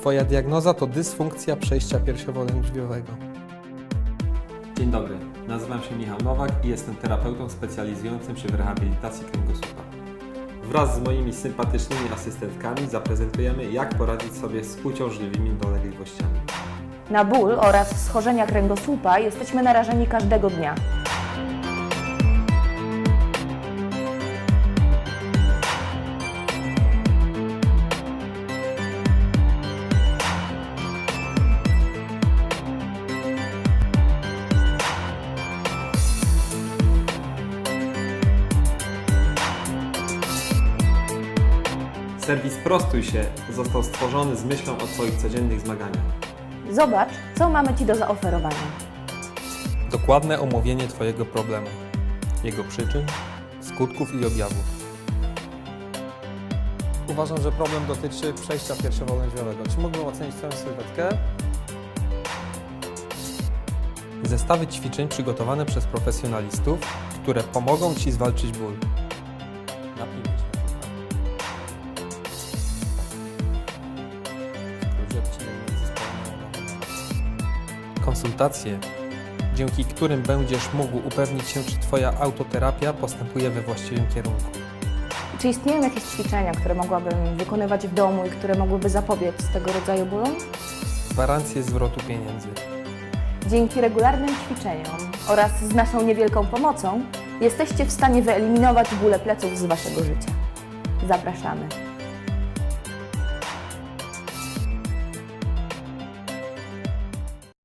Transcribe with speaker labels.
Speaker 1: Twoja diagnoza to dysfunkcja przejścia piersiowo-lędźwiowego.
Speaker 2: Dzień dobry, nazywam się Michał Nowak i jestem terapeutą specjalizującym się w rehabilitacji kręgosłupa. Wraz z moimi sympatycznymi asystentkami zaprezentujemy, jak poradzić sobie z uciążliwymi dolegliwościami.
Speaker 3: Na ból oraz schorzenia kręgosłupa jesteśmy narażeni każdego dnia.
Speaker 2: Serwis Prostuj się został stworzony z myślą o Twoich codziennych zmaganiach.
Speaker 3: Zobacz, co mamy Ci do zaoferowania.
Speaker 1: Dokładne omówienie Twojego problemu, jego przyczyn, skutków i objawów. Uważam, że problem dotyczy przejścia piersiowo-lędźwiowego. Czy mógłbym ocenić Twoją sylwetkę? Zestawy ćwiczeń przygotowane przez profesjonalistów, które pomogą Ci zwalczyć ból. Napijmy się. Konsultacje, dzięki którym będziesz mógł upewnić się, czy Twoja autoterapia postępuje we właściwym kierunku.
Speaker 3: Czy istnieją jakieś ćwiczenia, które mogłabym wykonywać w domu i które mogłyby zapobiec tego rodzaju bólom?
Speaker 1: Gwarancję zwrotu pieniędzy.
Speaker 3: Dzięki regularnym ćwiczeniom oraz z naszą niewielką pomocą jesteście w stanie wyeliminować bóle pleców z Waszego życia. Zapraszamy.